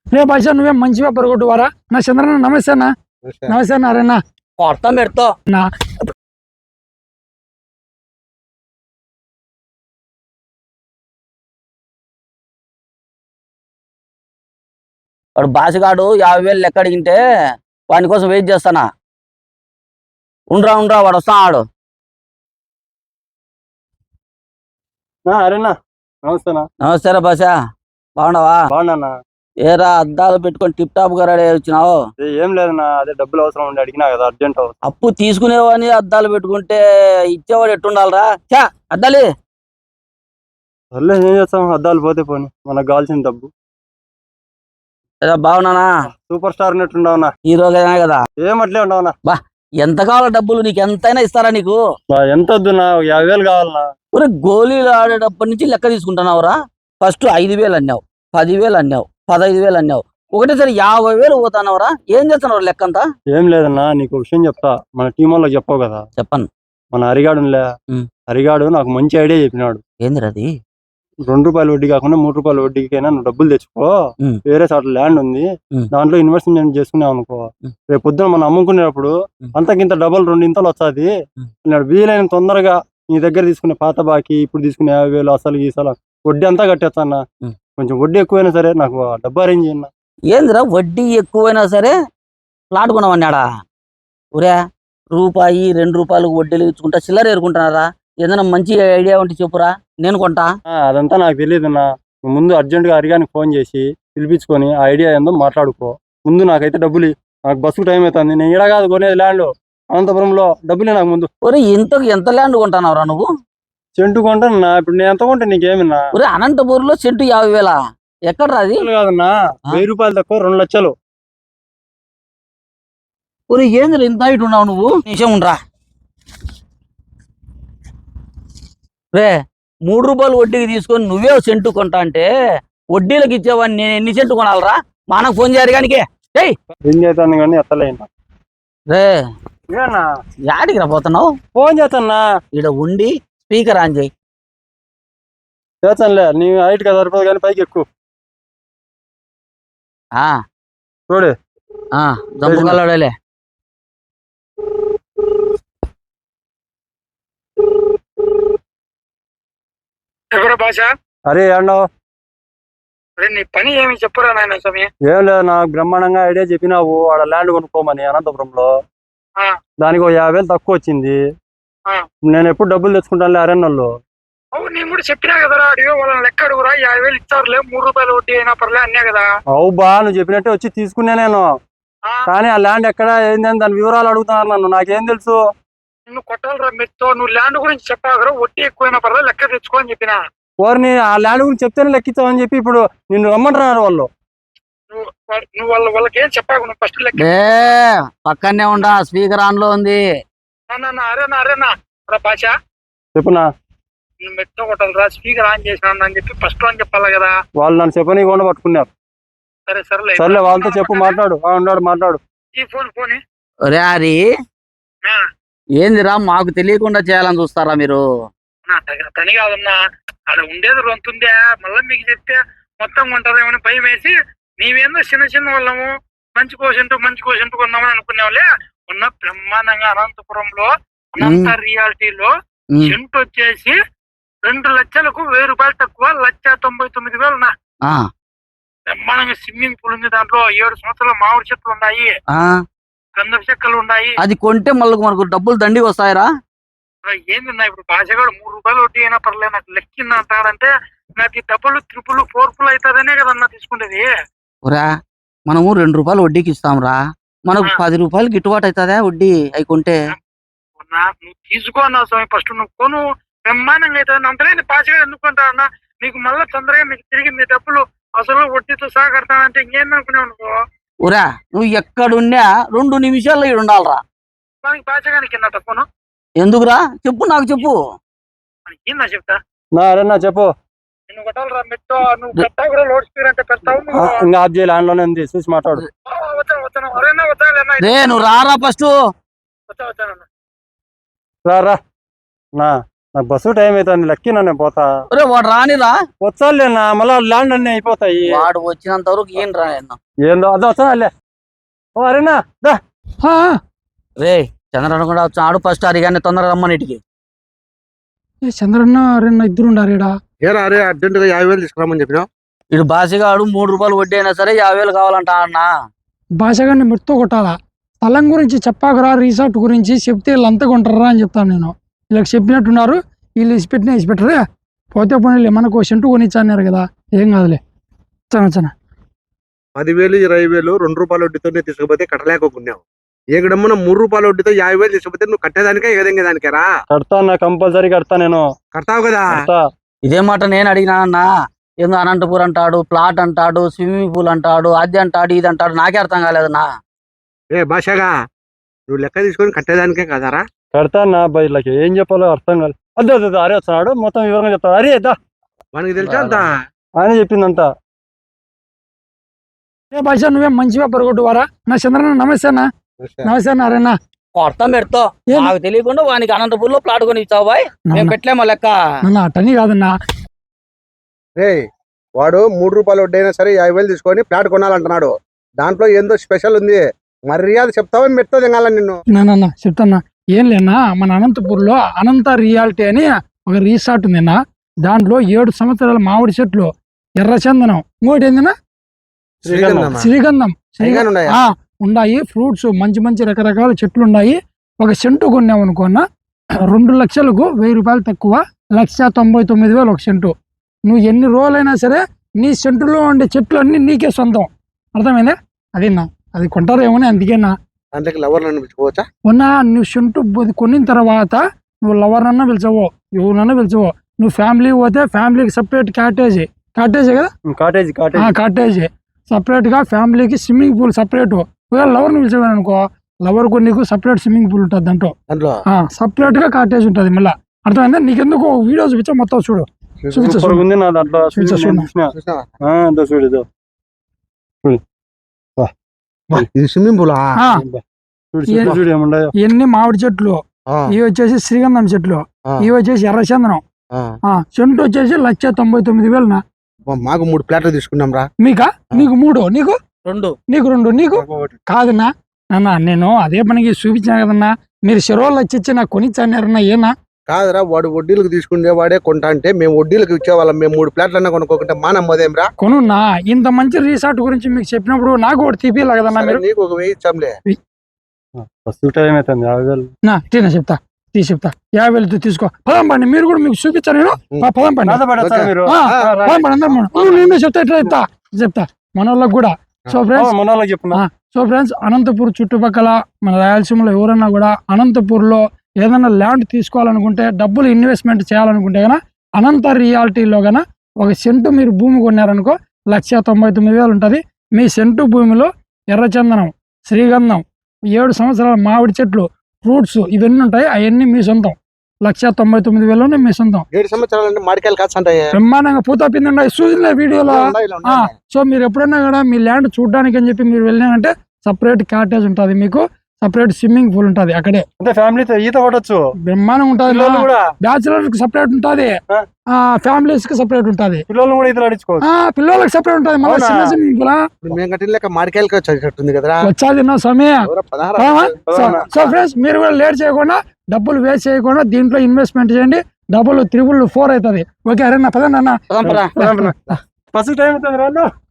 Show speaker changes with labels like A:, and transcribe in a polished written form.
A: రే భాష నువ్వేం మంచిగా పొరగొట్టువారా నా చంద్రన్న నమస్తే అన్న. నమస్తే అన్న. అరేనా
B: కొడతాం పెడతావు
A: నా
B: వాడు బాసిగాడు 50,000 లెక్క అడిగింటే వాని కోసం వెయిట్ చేస్తానా. ఉండరా వాడు వస్తాడు.
C: అరేనా నమస్తేనా.
B: నమస్తే బాషా, బాగున్నావా?
C: బాగున్నా.
B: ఏరా అద్దాలు పెట్టుకొని టిప్ టాప్ గా రెడీ వచ్చినావు?
C: ఏం లేదన్నా, అదే డబ్బులు అవసరం ఉండి అడిగినా కదా, అర్జెంట్.
B: అప్పు తీసుకునేవాని అద్దాలు పెట్టుకుంటే ఇచ్చేవాడు ఎట్టుండాలరా? చా అద్దాలి
C: సర్లే, ఏం చేస్తాం, అద్దాలు పోతే పోని, మనకు కావాల్సిన డబ్బు.
B: బాగున్నానా?
C: సూపర్ స్టార్ ఉన్నట్టుండవునా?
B: హీరోగా కదా?
C: ఏమట్లే ఉండవునా.
B: బా ఎంత కావాలా డబ్బులు? నీకు ఎంతైనా ఇస్తారా నీకు?
C: ఎంత వద్దునా, 50,000 కావాలనా.
B: ఒరే గోళీలు ఆడేటప్పటి నుంచి లెక్క తీసుకుంటున్నావురా. ఫస్ట్ 5,000 అన్నావు, 10,000 అన్నావు, 15,000 అన్నావు, ఒకటేసారి 50,000 పోతానవరా. ఏం చేస్తున్నావు లెక్కంతా?
C: ఏం లేదన్నా, నీకు విషయం చెప్తా. మన టీం వాళ్ళకి చెప్పావు కదా.
B: చెప్పను.
C: మన హరిగాడులే, హరిగాడు నాకు మంచి ఐడియా చెప్పినాడు.
B: ఏందిరది?
C: ₹2 వడ్డీ కాకుండా ₹3 వడ్డీకైనా నువ్వు డబ్బులు తెచ్చుకో. వేరే చోట ల్యాండ్ ఉంది, దాంట్లో ఇన్వెస్ట్మెంట్ చేసుకున్నావు అనుకో, రేపు పొద్దున మనం అమ్ముకునేటప్పుడు అంతకింత డబల్ 2 ఇంతలు వస్తుంది. వీలైన తొందరగా నీ దగ్గర తీసుకునే పాత బాకీ, ఇప్పుడు తీసుకునే 50,000 అసలు గీసలు వడ్డీ అంతా కట్టేస్తా అన్న. కొంచెం వడ్డీ ఎక్కువైనా సరే నాకు డబ్బు అరేంజ్ చేయన్న.
B: ఏందిరా వడ్డీ ఎక్కువైనా సరే ప్లాట్ కొనమన్నాడా? ఒరే రూపాయి 2 రూపాయలకు వడ్డీలు ఇచ్చుకుంటా చిల్లర ఏరుకుంటున్నారా? ఏదైనా మంచి ఐడియా ఉంటే చెప్పురా, నేను కొంటా.
C: అదంతా నాకు తెలియదన్నా. ముందు అర్జెంటుగా హరిగానికి ఫోన్ చేసి పిలిపించుకొని ఆ ఐడియా ఏందో మాట్లాడుకో. ముందు నాకైతే డబ్బులు, నాకు బస్సుకు టైం అవుతుంది. నేను ఈడ కాదు కొనేది ల్యాండ్, అనంతపురంలో. డబ్బులే నాకు ముందు.
B: ఒరే ఎంత ల్యాండ్ కొంటున్నావురా నువ్వు?
C: సెంటు కొంటానన్నా. ఇప్పుడు నేను ఎంత కొంటా నీకేమన్నా?
B: ఒరే అనంతపూర్లో సెంటు 50,000 ఎక్కడ్రా అది?
C: కాదన్నా, ₹1000 తక్కువ 2 లక్షలు.
B: ఒరే ఏంద్ర ఇంత హైట్ ఉన్నావు నువ్వు? నిమిషం ఉండరా. రే ₹3 వడ్డీకి తీసుకొని నువ్వే సెంటు కొంటా అంటే వడ్డీలకు ఇచ్చేవాడిని నేను ఎన్ని సెంటు కొనాలరా? మా అన్నకు ఫోన్ చేయరు కానీ
C: ఏం చేస్తాను కానీ ఎత్తలేనా.
B: రే యాడికి రా పోతున్నావు?
C: ఫోన్ చేస్తానా.
B: ఈడ ఉండి స్పీకర్ ఆన్ చేయి.
C: చేస్తానులే, నీ హైట్ కదా సరిపోదు కానీ పైకి ఎక్కువ చూడు.
B: దమ్ముగలలే.
A: ఎవరు భాష?
C: అరే ఏండవు?
A: అరే నీ పని ఏమి చెప్పురా నాయన స్వామి.
C: ఏం లేదు, నాకు బ్రహ్మాండంగా ఐడియా చెప్పినావు. ఆడ ల్యాండ్ కొనుక్కోమని అనంతపురంలో. దానికి 50,000 తక్కువ వచ్చింది. నేను ఎప్పుడు డబ్బులు తెచ్చుకుంటానులే అరణ్యంలో.
A: అవును, నేను కూడా చెప్పినా కదరా, అడిగే వాళ్ళని లెక్క అడుగురా. 50,000 ఇచ్చారులే, ₹3 వడ్డీ అయినా పర్లే అన్నా కదా.
C: అవు బా, నువ్వు చెప్పినట్టే వచ్చి తీసుకున్నా నేను. కానీ ఆ ల్యాండ్ ఎక్కడ ఏందని దాని వివరాలు అడుగుతున్నారు నన్ను. నాకేం తెలుసు?
A: నిన్ను కొట్టాలరా మెత్తో. నువ్వు ల్యాండ్ గురించి చెప్పాకరా, వడ్డీ ఎక్కువైనా పర్లేదు లెక్క తెచ్చుకో అని చెప్పినా.
C: ఓర్ని ఆ ల్యాండ్ గురించి చెప్తేనే లెక్కించావని చెప్పి ఇప్పుడు నిన్ను రమ్మంటున్నారు వాళ్ళు.
A: నువ్వు వాళ్ళకి ఏం చెప్పాకు, నువ్వు ఫస్ట్ లెక్క.
B: పక్కనే ఉండా, స్పీకర్ ఆన్ లో ఉంది.
A: అరేనా భాష
C: చెప్పునా.
A: నువ్వు మెత్తో కొట్టాలరా, స్పీకర్ ఆన్ చేసినాను అని చెప్పి ఫస్ట్ అని చెప్పాలి కదా.
C: వాళ్ళు నన్ను చెప్పనీయకుండా పట్టుకున్నారు. సర్లే వాళ్ళతో చెప్పు, మాట్లాడు. మాట్లాడు.
A: ఈ ఫోన్
B: ఒరే హరి, ఏందిరా మాకు తెలియకుండా చేయాలని చూస్తారా మీరు?
A: పని కాదన్నా, అక్కడ ఉండేది రొంతుందే, మళ్ళీ మీకు చెప్తే మొత్తం కొంటారేమని భయం వేసి నీవేందో చిన్న వాళ్ళము మంచి కోసంటూ కొందామని అనుకునేవాళ్ళే. ఉన్న బ్రహ్మాండంగా అనంతపురంలో అనంత రియాలిటీలో సెంట్ వచ్చేసి 2 లక్షలకు ₹1,000 తక్కువ, 1,99,000 బ్రహ్మాండంగా స్విమ్మింగ్ పూల్ ఉంది. దాంట్లో 7 సంవత్సరాల మామిడి చెట్లు ఉన్నాయి, గంధపు చెక్కలు ఉన్నాయి.
B: అది కొంటే మళ్ళీ మనకు డబ్బులు దండిగా వస్తాయరా?
A: ఏందన్నా ఇప్పుడు భాషగాడు ₹3 వడ్డీ అయినా పర్లేదు నాకు లెక్కింది అంటాడంటే నాకు ఈ డబ్బులు 3 4 అవుతుందనే కదన్నా తీసుకుంటేది.
B: రా మనము ₹2 వడ్డీకి ఇస్తాంరా, మనకు ₹10 గిట్టుబాటు అవుతుందా వడ్డీ అవి కొంటే?
A: నువ్వు తీసుకో అన్నా స్వామి, ఫస్ట్ నువ్వు కొను, బ్రహ్మాండంగా అవుతుంది. అంతలేదు భాషగాడు ఎందుకుంటా అన్నా, నీకు మళ్ళీ తొందరగా మీకు తిరిగి మీ డబ్బులు అసలు వడ్డీతో సహా కడతానంటే ఇంకేందనుకునేవు నువ్వు?
B: ఊరా నువ్వు ఎక్కడున్నా 2 నిమిషాల్లో ఇక్కడ ఉండాలరా.
A: మనకి భాషగానికి కింద ఫోను
B: ఎందుకురా చెప్పు, నాకు చెప్పు.
A: ఏందా చెప్తా?
C: చెప్పు.
A: నువ్వు కొట్టాలరా మెట్టో, నువ్వు పెట్టావు కూడా లోడ్ స్పీకర్ అంటే పెడతావు.
C: ఇంకా ఆఫ్ చేయాలి, ఆన్లోనే ఉంది, చూసి మాట్లాడు.
B: రే నువ్వు రారా ఫస్ట్.
C: రా నా నాకు బస్సు టైం అవుతుంది లక్కీనా నేను పోతా.
B: ఒరే వాడు రానిరా,
C: వచ్చాలేనా మళ్ళా ల్యాండ్ అన్ని అయిపోతాయి.
B: వాడు వచ్చినంత వరకు ఏం రాయన్న.
C: ఏందో అదో వచ్చాలే. ఓ అరేనా దా.
B: రే చంద్రన్న కూడా ఆడు ఫస్ట్ అరిగానే తొందరగా రమ్మనిటికి.
D: చంద్రన్న రెండు ఇద్దరు ఉండారు ఈడ.
E: ఏరా అరే అర్జెంట్ గా 50,000 తీసుకురామని చెప్పినా.
B: ఇటు బాసిగాడు 3 రూపాయలు వడ్డీ అయినా సరే 50,000 కావాలంట అన్న.
D: భాషగాన్ని మెట్టుతో కొట్టాలా. స్థలం గురించి చెప్పాకరా, రిసార్ట్ గురించి చెప్తే వీళ్ళు అంతా కొంటారా అని చెప్తాను నేను. వీళ్ళకి చెప్పినట్టున్నారు, వీళ్ళు ఇసిపెట్టినా ఇసిపెట్టరే. పోతే పోనీ మనకు సెంటు కొనిచ్చన్నారు కదా, ఏం కాదులే. చనా
E: 10,000 20,000 2 రూపాయల వడ్డీతోనే తీసుకుపోతే కట్టలేకపోతున్నావు. ఏకడమ్మ 3 రూపాయల వడ్డీతో 50,000 తీసుకుపోతే నువ్వు కట్టేదానికే ఎగదంగే దానికేరా.
C: కడతా నా కంపల్సరీ కడతా నేను.
E: కడతావు కదా.
C: కడతా.
B: ఇదే మాట నేను అడిగినా అన్న. ఏందో అనంతపూర్ అంటాడు, ప్లాట్ అంటాడు, స్విమ్మింగ్ పూల్ అంటాడు, అది అంటాడు ఇది అంటాడు, నాకే అర్థం కాలేదన్నా.
E: ఏ భాషగా నువ్వు లెక్క తీసుకొని కట్టేదానికే కదరా.
C: కడతా నా బయటకి ఏం చెప్పాలో అర్థం కాదు. అదే అదే అరే వస్తున్నాడు మొత్తం వివరంగా చెప్తాడు. అరే దా
E: మనకి తెలుసా అంత.
C: ఆయన చెప్పిందంతా.
D: ఏ భాష నువ్వేం మంచిగా పరగొట్టువారా. నా చంద్రన్న నమస్తే అన్న. నమస్తే అన్న. అరేనా
B: అర్థం పెడతావు, నాకు తెలియకుండా వానికి అనంతపూర్ లో ప్లాట్ కొని ఇచ్చావు బాయ్. మేము పెట్టలేమో లెక్క.
D: నన్ను అటని కాదన్నా.
E: రే వాడు 3 రూపాయల వడ్డీ అయినా సరే 50,000 తీసుకొని ఫ్లాట్ కొనాలంటున్నాడు. దాంట్లో ఏందో స్పెషల్ ఉంది. మర్యాద చెప్తావని మెట్తో దిగాల నిన్ను.
D: నాన్న చెప్తాన్నా. ఏం లేనా, మన అనంతపూర్లో అనంత రియాలిటీ అని ఒక రిసార్ట్ ఉందినా. దాంట్లో 7 సంవత్సరాల మామిడి చెట్లు, ఎర్రచందనం, ఇంకోటి ఏందినా శ్రీగంధం ఉన్నాయి. ఫ్రూట్స్ మంచి మంచి రకరకాల చెట్లు ఉన్నాయి. ఒక సెంటు కొన్నావు అనుకున్నా 2 లక్షలకు 1000 రూపాయలు తక్కువ, 1,99,000 ఒక సెంటు. నువ్వు ఎన్ని రోజులైనా సరే నీ సెంటులో ఉండే చెట్లు అన్ని నీకే సొంతం. అర్థమైందా? అదేనా, అది కొంటారేమో అందుకేనా.
E: దాంట్లోకి లవర్లను పిలుచుకోవచ్చా?
D: మొన్న నువ్వు సెంటు కొనిన తర్వాత నువ్వు లవర్నన్నా పిలిచవో, ఎవరినన్నా పిలిచవో. నువ్వు ఫ్యామిలీ పోతే ఫ్యామిలీకి సపరేట్ కాటేజీ కదా, కాటేజీ సపరేట్ గా, ఫ్యామిలీకి స్విమ్మింగ్ పూల్ సపరేట్. ఒకవేళ లవర్ని పిలిచేవాడు అనుకో, లవర్ కు నీకు సపరేట్ స్విమ్మింగ్ పూల్ ఉంటుంది. దాంట్లో సపరేట్ గా కాటేజ్ ఉంటుంది. మళ్ళీ అర్థమైందా? నీకెందుకు వీడియో చూపించా, మొత్తం చూడు.
E: స్విమ్మింగ్ పూల్
D: ఇవన్నీ మామిడి చెట్లు, ఇవి వచ్చేసి శ్రీగంధం చెట్లు, ఇవి వచ్చేసి ఎర్రచందనం. చెంటు వచ్చేసి 1,99,000.
E: మాకు 3 ప్లాట్లు తీసుకున్నాం రా.
D: మీకా? నీకు 3, నీకు
B: 2,
D: నీకు కాదన్నా. నాన్న నేను అదే పనికి చూపించాను కదన్నా. మీరు చెరువులు వచ్చి నాకు కొనిచ్చారన్నా. ఏనా
E: కాదురా, వాడు వడ్డీలకు తీసుకునే వాడే కొంటా అంటే మేము వడ్డీలకు ఇచ్చేవాళ్ళం. మేము 3 ప్లాట్లన్నా కొనుక్కోకుంటే మా నమ్మదేం రా.
D: కొనున్నా. ఇంత మంచి రిసార్ట్ గురించి మీకు చెప్పినప్పుడు నాకు ఒకటి తీపియాలి కదన్నా. మీరు
E: నీకు ఒక 1000 ఇచ్చాంలే.
D: చెప్తా 50,000 తీసుకో. పదం పండి, మీరు కూడా మీకు చూపించాను నేను. పదం పండి, నేనే చెప్తా మన వాళ్ళకి కూడా. సో ఫ్రెండ్స్ అనంతపూర్ చుట్టుపక్కల మన రాయలసీమలో ఎవరన్నా కూడా అనంతపూర్ లో ఏదైనా ల్యాండ్ తీసుకోవాలనుకుంటే, డబ్బులు ఇన్వెస్ట్మెంట్ చేయాలనుకుంటే గన అనంత రియాలిటీలో గన ఒక సెంటు మీరు భూమి కొన్నారనుకో 1,99,000 ఉంటది. మీ సెంటు భూమిలో ఎర్రచందనం, శ్రీగంధం, 7 సంవత్సరాల మామిడి చెట్లు, ఫ్రూట్స్ ఇవన్నీ ఉంటాయి. అవన్నీ మీ సొంతం. 1,99,000 మీ సొంతం.
E: 7 సంవత్సరాలు మాడికాయలు కాస్తుంటాయి.
D: బ్రహ్మాండంగా పూత పిండి ఉన్నాయి. చూసిన వీడియోలో. సో మీరు ఎప్పుడైనా కూడా మీ ల్యాండ్ చూడడానికి అని చెప్పి మీరు వెళ్ళినారంటే సపరేట్ కాటేజ్ ఉంటుంది, మీకు సపరేట్ స్విమ్మింగ్ పూల్ ఉంటది. అక్కడే
C: ఫ్యామిలీతో ఈత కొట్టచ్చు.
D: బ్రహ్మాండం ఉంటది. బ్యాచులర్స్ కి సపరేట్ ఉంటది, ఫ్యామిలీస్ కి సపరేట్ ఉంటది,
C: పిల్లలు కూడా ఈతలు ఆడించుకోవచ్చు.
D: పిల్లలకి సపరేట్ ఉంటది. మళ్ళీ చిన్న స్విమ్మింగ్ పూల్
E: మాడికాయలకి వచ్చేటట్టుంది కదరా.
D: వచ్చాది నా సమయం. సో ఫ్రెండ్స్ మీరు కూడా లేట్ చేయకుండా, డబ్బులు వేస్ట్ చేయకుండా దీంట్లో ఇన్వెస్ట్మెంట్ చేయండి. డబ్బులు 344 అవుతుంది. ఓకే అరే నా పదండి అన్న.
C: ఫస్ట్ టైం అవుతుంది.